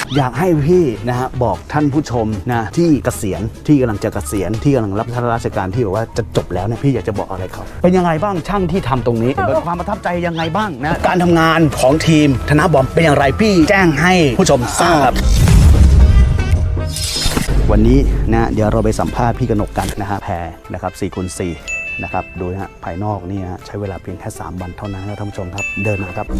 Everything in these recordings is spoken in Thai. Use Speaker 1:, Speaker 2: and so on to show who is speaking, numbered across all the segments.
Speaker 1: อยากให้พี่นะฮะบอกท่านผู้ชมนะที่เกษียณที่กำลังจะเกษียณที่กำลังรับราชการที่แบบว่าจะจบแล้วเนี่ยพี่อยากจะบอกอะไรเขาเป็นยังไงบ้างช่างที่ทำตรงนี้เป็นความประทับใจยังไงบ้างนะการทำงานของทีมธนบอมเป็นอย่างไรพี่แจ้งให้ผู้ชมทราบวันนี้นะเดี๋ยวเราไปสัมภาษณ์พี่กนกกันนะฮะแพรนะครับ4x4นะครับดูนะฮะภายนอกนี่ฮะใช้เวลาเพียงแค่3 วันเท่านั้นนะท่านผู้ชมครับเดินมาครับ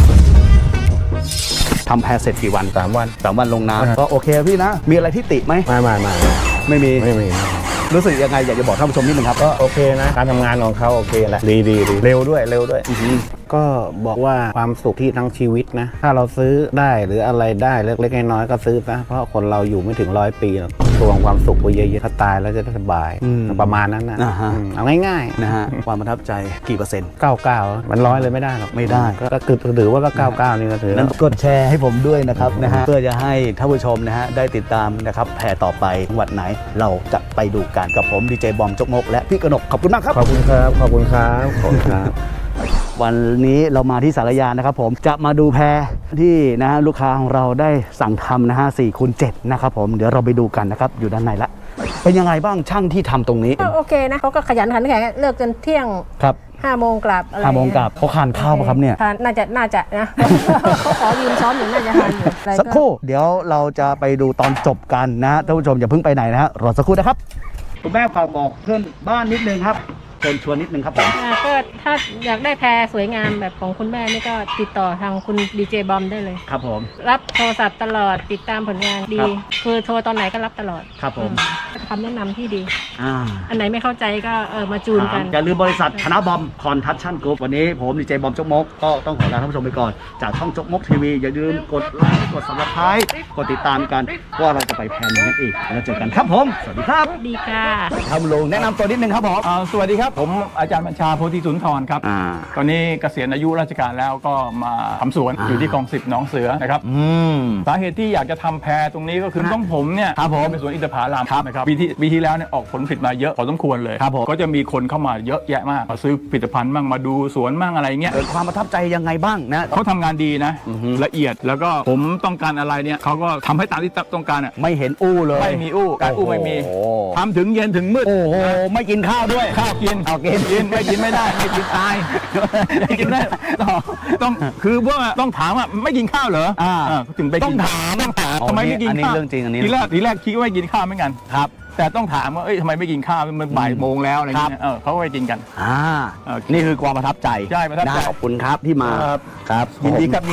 Speaker 1: ทำแพรเสร็จกี่วัน
Speaker 2: 3 วัน
Speaker 1: 3 วันลงน้ำก็โอเคพี่นะมีอะไรที่ติไหมไม่มีรู้สึกยังไงอยากจะบอกท่านผู้ชมนิดนึงครับ
Speaker 2: ก็โอเคนะการทำงานของเขาโอเคแหละดีเร็วด้วยก็บอกว่าความสุขที่ทั้งชีวิตนะถ้าเราซื้อได้หรืออะไรได้เล็กๆน้อยๆก็ซื้อซะเพราะคนเราอยู่ไม่ถึง100 ปีรวมความสุขไปเยอะๆถ้าตายแล้วจะได้สบายประมาณนั้นนะเอาง่าย
Speaker 1: ๆนะฮะความประทับใจกี่เปอร์เซ็นต์
Speaker 2: 99มัน100เลยไม่ได้หรอก
Speaker 1: ไม่ได้
Speaker 2: ก็ถือว่าก็99นี่ก็ถือ
Speaker 1: นั้นกดแชร์ให้ผมด้วยนะครับนะฮะเพื่อจะให้ท่านผู้ชมนะฮะได้ติดตามนะครับแพรต่อไปจังหวัดไหนเราจะไปดูกันกับผมดีเจบอมจกมกและพี่กนกขอบคุณมากครับ
Speaker 2: ขอบคุณครับ
Speaker 1: วันนี้เรามาที่สารยานะครับผมจะมาดูแพรที่นะฮะลูกค้าของเราได้สั่งทำนะฮะ4x7นะครับผมเดี๋ยวเราไปดูกันนะครับอยู่ด้านในละเป็นยังไงบ้างช่างที่ทำตรงนี้
Speaker 3: โอเคนะเขาก็ขยันขันแข็งเลิกจนเที่ยง
Speaker 1: ครับ
Speaker 3: 5 โมงกลับอะไร
Speaker 1: 5 โมงกลับเขาทานข้าวป่ะครับเนี่ย
Speaker 3: น่าจะนะเขาขอยืมซ้อมอยู่น่าจะทานอยู่
Speaker 1: สักครู่เดี๋ยวเราจะไปดูตอนจบกันนะท่านผู้ชมอย่าเพิ่งไปไหนนะฮะรอสักครู่นะครับคุณแม่ฝากบอกเพื่อนบ้านนิดนึงครับเชิญชวนนิดนึงครับผม
Speaker 3: ก็ถ้าอยากได้แพรสวยงามแบบของคุณแม่นี่ก็ติดต่อทางคุณดีเจบอมได้เลย
Speaker 1: ครับผม
Speaker 3: รับโทรศัพท์ตลอดติดตามผลงานดีคือโทรตอนไหนก็รับตลอด
Speaker 1: ครับผม
Speaker 3: คำแนะนำที่ดีอันไหนไม่เข้าใจก็มาจูนกัน
Speaker 1: อย่าลืมบริษัทธนบอมคอนทัชชั่นกรุ๊ปวันนี้ผมดีเจบอมจกมกก็ต้องขอลาท่านผู้ชมไปก่อนจากช่องจกมกทีวีอย่าลืมกดไลค์กด Subscribe กดติดตามกันว่าเราจะไปแพนนั้นอีกแล้วเจอกันครับผมสวัสดีครับ
Speaker 3: ดีค่ะ
Speaker 1: ทำลงแนะนำตัวนิดนึงครับผม
Speaker 4: สวัสดีครับผมอาจารย์บัญชาโพธิสุนทรครับตอนนี้เกษียณอายุราชการแล้วก็มาทำสวนอยู่ที่กอง10หนองเสือนะครับสาเหตุที่อยากจะทำแพรตรงนี้ก็คือต้องผมเนี่ยเป็นสวนอินทผลัมนะครับปีที่แล้วเนี่ยออกผลผลิตมาเยอะพอสมควรเลยก็จะมีคนเข้ามาเยอะแยะมากมาซื้อผลิตภัณฑ์บ้างมาดูสวนบ้างอะไรเงี้ย
Speaker 1: ความประทับใจยังไงบ้างนะ
Speaker 4: เขาทำงานดีนะละเอียดแล้วก็ผมต้องการอะไรเนี่ยเขาก็ทำให้ตามที่ต้องการอ่ะ
Speaker 1: ไม่เห็นอู้เลย
Speaker 4: ไม่มีอู้การอู้ไม่มีทำถึงเย็นถึงมืด
Speaker 1: โอ้โหไม่กินข้าวด้วย
Speaker 4: ข้าวกินไม่กินไม่ได้ไม่กินตายไม่กินได้ต้องคือว่าต้องถามว่าไม่กินข้าวเหรอถึงไป
Speaker 1: ต้องถาม
Speaker 4: ทำไมไม่กินข้าว
Speaker 1: เรื่องจริงอันนี้
Speaker 4: ทีแรกคิดว่าไม่กินข้าวเหมือนกัน
Speaker 1: ครับ
Speaker 4: แต่ต้องถามว่าทำไมไม่กินข้าวมันบ่ายโมงแล้วอะไรเงี้ยเขาก็ไปกินกัน
Speaker 1: นี่คือความประทับใจ
Speaker 4: ใช่ประทับใจ
Speaker 1: ขอบคุณครับที่มา
Speaker 4: ครับยินดีครับ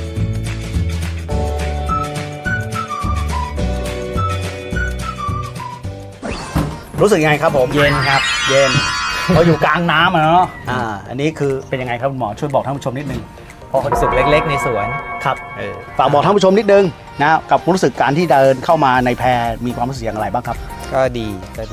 Speaker 1: รู้สึกยังไงครับผม
Speaker 2: เย็นครับ
Speaker 1: เย็นเราอยู่กลางน้ำเนาะอันนี้คือเป็นยังไงครับหมอช่วยบอกท่านผู้ชมนิดนึง
Speaker 2: พอความสุขเล็กๆในสวน
Speaker 1: ครับฝากบอกท่านผู้ชมนิดนึงนะกับรู้สึกการที่เดินเข้ามาในแพรมีความรู้สึกอย่างไรบ้างครับ
Speaker 2: ก็ดี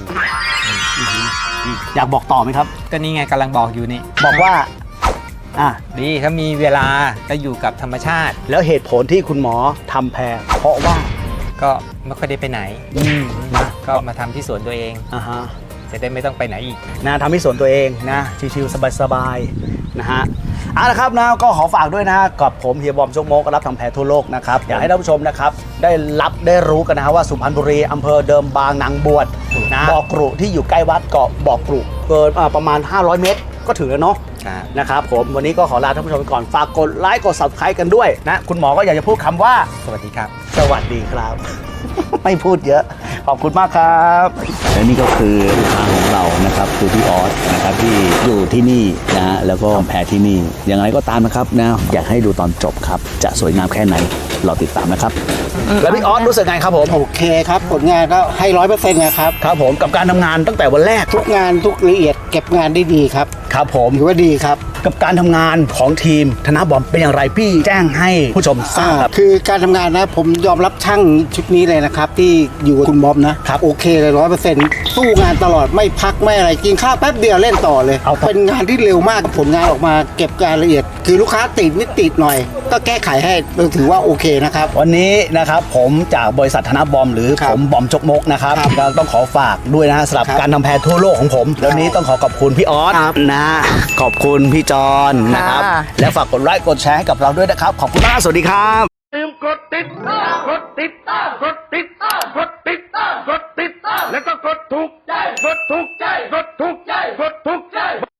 Speaker 1: อยากบอกต่อไหมครับ
Speaker 2: ก็นี่ไงกำลังบอกอยู่นี่
Speaker 1: บอกว่า
Speaker 2: ดีถ้ามีเวลาก็อยู่กับธรรมชาติ
Speaker 1: แล้วเหตุผลที่คุณหมอทำแพรเพราะว่า
Speaker 2: ก็ไม่ค่อยได้ไปไหนนะก็มาทำที่สวนตัวเองจะได้ไม่ต้องไปไหนอีก
Speaker 1: นะทำที่สวนตัวเองนะชิวๆสบายๆนะฮะละครับนะก็ขอฝากด้วยนะกับผมเฮียบอมจกมกรับทำแพรทั่วโลกนะครับอยากให้ท่านผู้ชมนะครับได้รู้กันนะว่าสุพรรณบุรีอำเภอเดิมบางนางบวชนะบ่อกรุที่อยู่ใกล้วัดเกาะบ่อกรุเกินประมาณ500 เมตรก็ถึงแล้วเนาะนะครับผมวันนี้ก็ขอลาท่านผู้ชมไปก่อนฝากกดไลค์กด Subscribe กันด้วยนะคุณหมอก็อยากจะพูดคำว่า
Speaker 2: สวัสดีครับ
Speaker 1: สวัสดีครับไม่พูดเยอะขอบคุณมากครับและนี่ก็คือลูกค้าของเรานะครับคือพี่ออสนะครับที่อยู่ที่นี่นะแล้วก็แพรที่นี่อย่างไรก็ตามนะครับนะอยากให้ดูตอนจบครับจะสวยงามแค่ไหนเราติดตามนะครับแล้วพี่ออสรู้สึกไงครับผม
Speaker 5: โอเคครับผลงานก็ให้100%นะครับ
Speaker 1: ครับผมกับการทำงานตั้งแต่วันแรก
Speaker 5: ทุกงานทุกละเอียดเก็บงานได้ดีครับ
Speaker 1: ครับผม
Speaker 5: ถือว่าดีครับ
Speaker 1: กับการทำงานของทีมธนบอมเป็นอย่างไรพี่แจ้งให้ผู้ชมทราบ
Speaker 5: คือการทำงานนะผมยอมรับช่างชุดนี้เลยนะครับที่อยู่กับคุณบอมนะครับโอเคเลย100%สู้งานตลอดไม่พักไม่อะไรกินข้าวแป๊บเดียวเล่นต่อเลยเป็นงานที่เร็วมากผลงานออกมาเก็บรายละเอียดคือลูกค้าติดนิดติดหน่อยก็แก้ไขให้ถือว่าโอเคนะครับ
Speaker 1: วันนี้นะครับผมจากบริษัทธนบอมหรือผมบอมจกมกนะครับก็ต้องขอฝากด้วยนะสำหรับการทำแพรทั่วโลกของผมแล้วนี้ต้องขอบคุณพี่ออสนะขอบคุณพี่จอนนะครับและฝากกดไลค์กดแชร์ให้กับเราด้วยนะครับขอบคุณมากสวัสดีครับ
Speaker 6: กดติดกดติดกดติดกดติดกดติดแล้วก็กดถูกใจกดถูกใจกดถูก